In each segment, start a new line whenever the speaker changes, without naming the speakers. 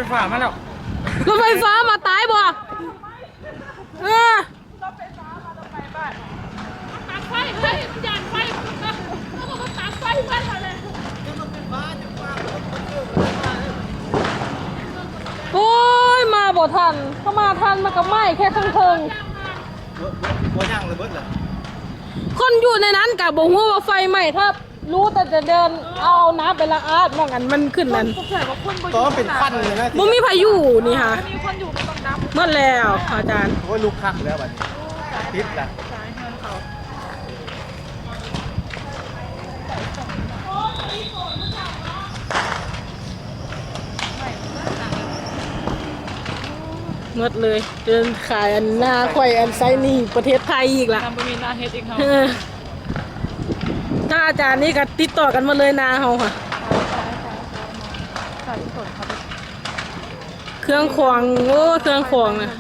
ฟ้ามาแล้ว
รถไฟฟ้ามาตายบ่
ตัดไฟเฮ้ยยานไฟเขาบอกว่าตัดไฟเพื่อนอะไร
โอ้ยมาบ่ทันเขามาทันมากับไม้แค่ข้างเทิง
บ่ย่างเลยเบิดเลย
คนอยู่ในนั้นกับบ่ฮู้ว่าไฟไหม้ถ้ารู้แต่จะเดินเอาน้ำไปละอาดมองกันมันขึ้นนั่น
ตัวเป็นฟันเลยนะ
บ่มีพายุนี่ค่ะ
มีคนอยู่ตรงน้ำ
หมดแล้วอาจารย์
โอ้ยลูกคักแล้วบัดนี้ติดละ
หมดเลยเดินขายอันหน้าควายอันไซนี่ประเทศไทยอีกล่ะ
ทำบะหมี่นาเฮ็ดอีกเขา
ถ้าอาจารย์นี่ก็ติดต่อกันมาเลยนาเฮาค่ะ
ใส่สดครับ
เครื่องขวางโอ้เครื่องขวางนะ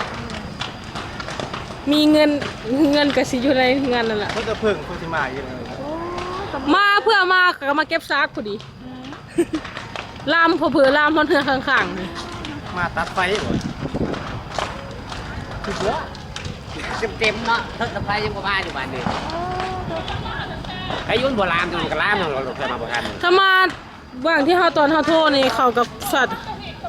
มีเงินก็สิอยู่ในงานนั่นแหละ
เพิ่นจะเพิ่งโคชิมาอีกเลย
มาเพื่อมาก็มาเก็บซากพอดีลามเผื่อลามพอนเทือข้างๆนี่
มาตัดไฟหมด
เต็มเนาะทั้งตะไคร้ยังบ่มาอยู่บ้านนี่ไอ้ยุ่นโบราณมันก็ล้ามเราเคยมาโบราณ
ถ้ามาว่างที่เฮาตอนเฮาโทรนี่เข้ากับสัตว์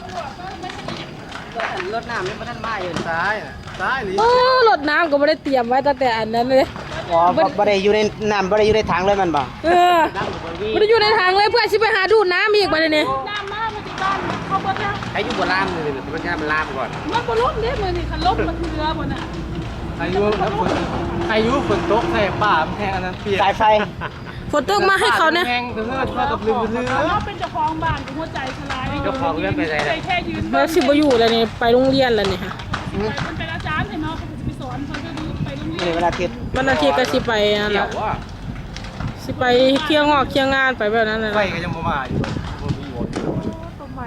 รถน้ำนี่มันท่านมาอยู่
ซ้ายน่ะซ้ายหรือ
โอ้รถน้ำก็ไม่ได้เตรียมไว้ตั้งแต่อันนั้นเลย
อ๋อบ่ได้อยู่ในน้ำบ่ได้อยู่ในถังเลยมันบ่
ไม่ได้อยู่ในทางเลยเพื่อชิไปหาดูดน้ำอีกมาเลยนี่
น้ำมาที่บ้านเขาบอกแล้ว
ไอ้ยุ่นโบราณนี่มันจะมันล้ามก่อน
มันบ่ล้มเด้มือนี่คันล้มมันเรือหมดน่ะ
อายุฝนตกใส่ป่ามันแทงอันนั้นเปียก
สายไฟ
ฝนตกมาให้เขาเนี่ย
แห้งเพื่อนเข้ากับลืม
เขาเป็นเจ้าของบ้านกับหัวใจสลายใจแค่ยืน
แล้วสิบอยู่แล้วนี่ไปโรงเรียนแล้วนี่ค่ะ
มันเป็นอาจารย์เห็นไหมเขาจะไปสอนเขาจะไปโรงเรีย
นี่
น
เวลาคิด
วันอาทิตย์ก็สิไปนั่นแห
เกี่ย
ละ
วว่า
สิไปเที่ยวงอกเที่ยวงานไปแบบนั้นเลย
ไฟก็ยังบ่มาอยู่บ่มีอยู่
ต้นใหม่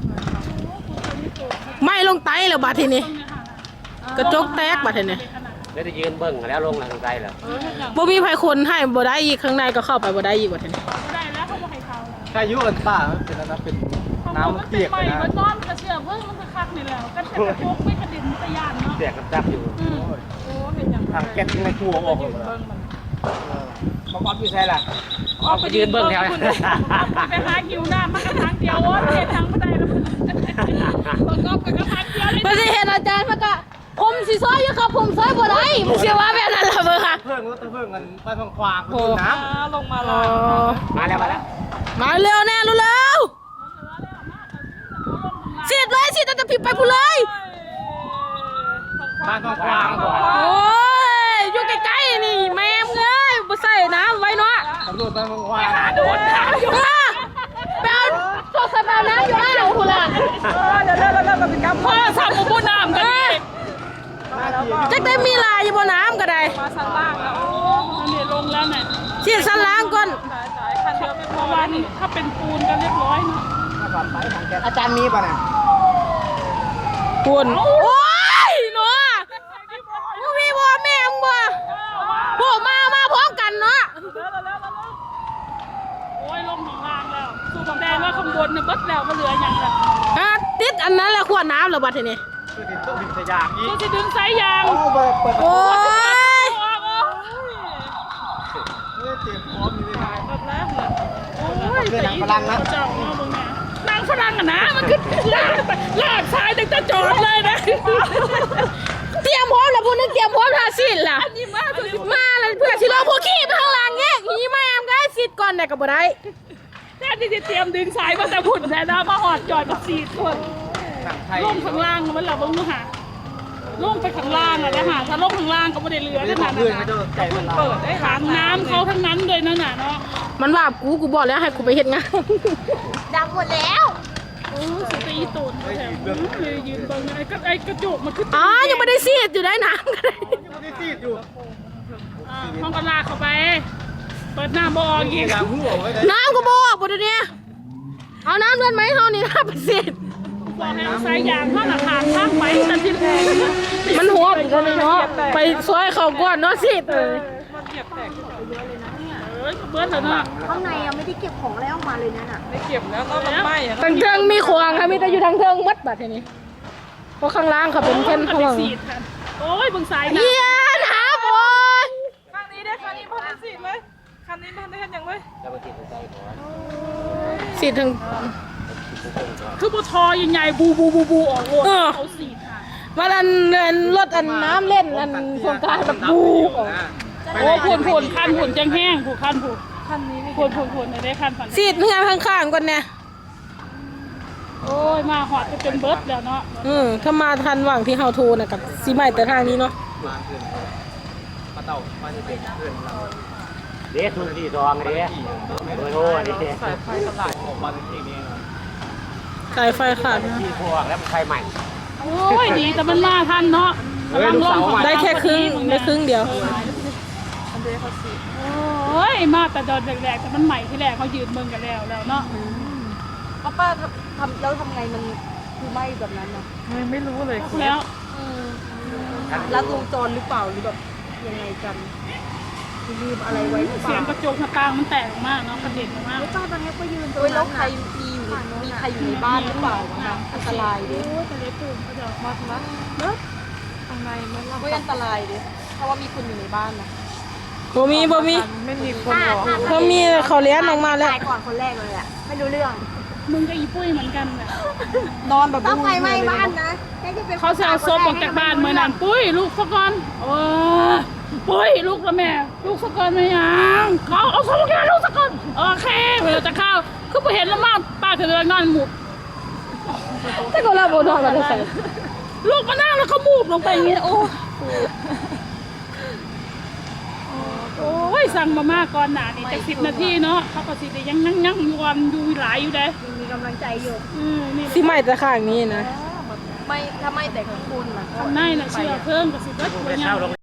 ไม่ลงไตแล้วบาดทีนี้กระจกแตกบาดทีนี้
แล้วจะยืนเบิ่งแล้วลงทางใต้แล้ว
บ่มีไผคนให้บ่ได้อีกข้างในก็เข้าไปบ่ได้อีกบาดทีนี้
ได้แล้วเขาบอกให้เขา
อายุกันป่ามันเป็นอันนั้นเป็นน้ำเปียก
ใหม่
นะ
มันนอนกระเชื่อเพิ่งมันคักนี่แล้วกันแต่พวกไม่กระดิ่งตะยานเนาะ
เสียกจับอยู่
โอ้เห็นอย่าง
ทางแก๊สในครัวออกเลย
บ่พร้อมอยู่ใช่ล่ะเอาไปยืนเบิ่งแถว
ไปหาหิวน้ำมันก็ทางเดียวว่าเห็นทางไม่ได้แล้วมันก็ไปก็ทางเดียวเลย
บ่สิเห็นอาจารย์มันก็ผมสิซอยอยู่ครับผมซอยบ่ได้มึงสิว่าแบบนั้นล่ะเบิ่งค่ะ
เพิ่งรถเพิ่งกันไปทางขวางคือน้ำ
ลงมา
อ๋
แล้
อ
ว
มาแล้ว
มาเร็วแน่เร็วๆสิเลยสิจะผิดไปผู้เลย
บ้านทางขวาง
โอ้ยอยู่ใกล้ๆนี่แม่มเอ้ยบ่ใส่น้ำไว้เนาะ
ตำรวจบ้านทางขวาง
โดนน้ำอยู่
ไปเอาโทรศัพท์เอาน้ำอยู่อ่างคุณล่ะ
เดี๋ยวเป็นกำพ่อสั่งมาพูดน้ำกันดิ
จักได้มีลายอยู่บนน้ำก็ได้
มาสั่งล่างแล้วโอ้เนี่ยลงแล้วเนี่ย
เสียสันล้างก่อน
สายคันเดียวเป็นเพราะว่านี่ถ้าเป็นปูนก็เรียบร้อยเนาะ
อาจารย์มีป่ะน่ะ
คุณโอ้ยหนูมึงมีบ่แม่มึงบ่พวกมาพร้อมกันเนาะ
โอ้ยลงของล่างแล้วสู้ของแดงว่าข้างบนเนี่ยบัดแล้วก็เหลืออย่างละ
ฮะติดอันนั้นแหละขวดน้ำเหรอบัดทีนี้
คือติดต้องดึงสยามอี
ก็
ก
จะดึงสายยาง
เปิด
โอ้ย
ออก
เตรียมพร้อมอยู่เลย
แบบแล้วโอ้ยนางฝรั่งนะเจ้าเนาะมึงนะนางฝรั่งอะนะมันขึ้นลากซ้ายตั้งแต่จอดเลยนะ
เตรียมพร้อมแล้วพวกนึงเตรียมพร้อมทาสินล่ะมาแล้วเพื่อสิลงพวกขี้ไปข้างล่างแยกหีแม่มก็สิก่อนได้ก็บ่ได้
แทนที่จะเตรียมดึงสายมาแต่พุ่นแทนนะมาหอดจอดกับ4 คน
หนังไทย
ลงข้างล่างมันละเบิ่งดูหาลงไปข้างล่างอะนะฮะถ้าลงข้างล่างก็ไม่ได้เรือ
ไม่
ข
ได้
นาด
เพื่อน
นั้น
ไม่ได้ใจมัน
เปิดได้ถังน้ำเขาทั้งนั้นเลยนั่นน่ะเนาะ
มันว่ากูบอกแล้วให้กูไปเฮ็ดงาน
ดับหมดแล้ว
โอ้สตีตูนแถมยืนเบิ่งไอ้กระจกมันขึ้น
อ๋อยังไม่ได้ซีดอยู่ได้น้ำก็ได้
ไม่ได้ซีดอยู่
ห้องก็ลากเข้าไปเปิดหน้าบ่ออกอีก
ยางหัวไว้ได้
น้ำก็บอกบ่เดี๋ยวนี้เอาน้ำเลือดไหมเท่านี้5%
บอกให้เอาสายยางเข้าหน้าทางข้างไปแต่ที่แรก
มันหัวอีกแล้วนี่เนาะไปซอยเขาก่อนเนาะสิ
มันเหยียบแตกเบิร์ดแล้วเนาะ
ข้างในยังไม่ได้เก็บของอะไรออกมาเลยนั่นน่ะ
ไม่เก็บแล้วก็มันไหม้อะ
ทางเทิงมีขวางค่ะมีแต่อยู่ทางเทิงมัดบัดทีนี้เพราะข้างล่างเขาเป็นแค่ข้างหลัง
โอ้ยบึงสายนะ
เยี่ยน้ำโอ้ย
คันนี้ได้คันนี้พันสีเลยคันนี้พันได้คันยังเลย
จะมาติดใจก่อน
สีถึง
คือปทอใหญ่ๆบูออกโลดเขาสีค่ะ
มาอันรถอันน้ำเล่นอันโครงการแบบบูออก
โอ้ผุนคันผุนจังแห้งผูคันผูคันนี้ผุนได้คันฝัน
สีเงาข้างๆก่อนเนี่ย
โอ้ยมาหอดจะเป็นเบิร์ดแล้วเนาะ
ถ้ามาทันหว่างที่เฮาโทรนะกับสีใหม่แต่ทางนี้เนาะ
มาขึ้นมาเต่ามาจะเป็นขึ้นเรา
เด็ดทุนที่ซองเด็ดเบอร์โทรนี่
สายไฟตลาดออกมาเป็นที่นี้
สายไฟขาดนะ
ที่พวกแล้วมันใครใหม่
โอ้ยดีแต่มันมาทันเนาะ
ได้แค่ครึ่งเดียว
โอ้ยมาแต่ตอนแรกๆแต่มันใหม่ที่แรกเขายืนเมืองกันแล้วเนาะ
ป้าทำแล้วทำไงมันคือไหม้แบบนั้นน่ะ
ไม่รู้เลยแล้ว
ลัดวงจรหรือเปล่าหรือแบบยังไงกันคือลืมอะไรไว้หรือเป
เสีย
ล่าง
กระจกหน้าต่างมันแตกออกมากเนาะกระเด็นออกมาก
ป้าตอนนี้ก็ยืนตรงนั้นแล้วใครมีใครอยู่ในบ้านหรือเปล่าอันตรายดิ
โอ้ยทะเลปุ่มเขาจะ
มัดข้างในมันก็อันตรายดิเพราะว่ามีคนอยู่ในบ้านนะ
บ่มีบ่มีบ่มีเขาเลี้ยงออกมาแล้ว
ตายก่อนคนแรกเลยอ่ะไม่รู้เรื่อง
มึงกับอีปุ้ยเหมือนกันน่ะ
นอนแบบต้องไฟไหม้บ้านนะ
เขาจะเอาศพออกจากบ้านเมื่อนั้นปุ้ยลูกสักก่อนโอ้ปุ้ยลูกละแม่ลูกสักก่อนไม่ยังเขาเอาศพออกจากลูกสักก่อนโอเคเวลาจะเข้าคือไปเห็นแล้วมากป้าถึงเรื่องนอนหมุด
ถ้าก็เราบ่นอนมาได้ใส่
ลูกมานั่งแล้วเขามูบลงไปอย่างเงี้ยโอ้ยสั่งมาม่าก่อนหนานี่จะ10 นาทีเนาะเขาก็สิได้ยังนั่งอยู่วันอยู่หลายอยู่เด้
มีกำลังใจอยู่
นี่
สีใหม่แต่ข้างนี้นะ
ไม่ถ้าไม่แต่ของคุณล่ะ
ทำได้นะเชื่อเพิ่มกับสิบเบิร์ดตัวอย่าง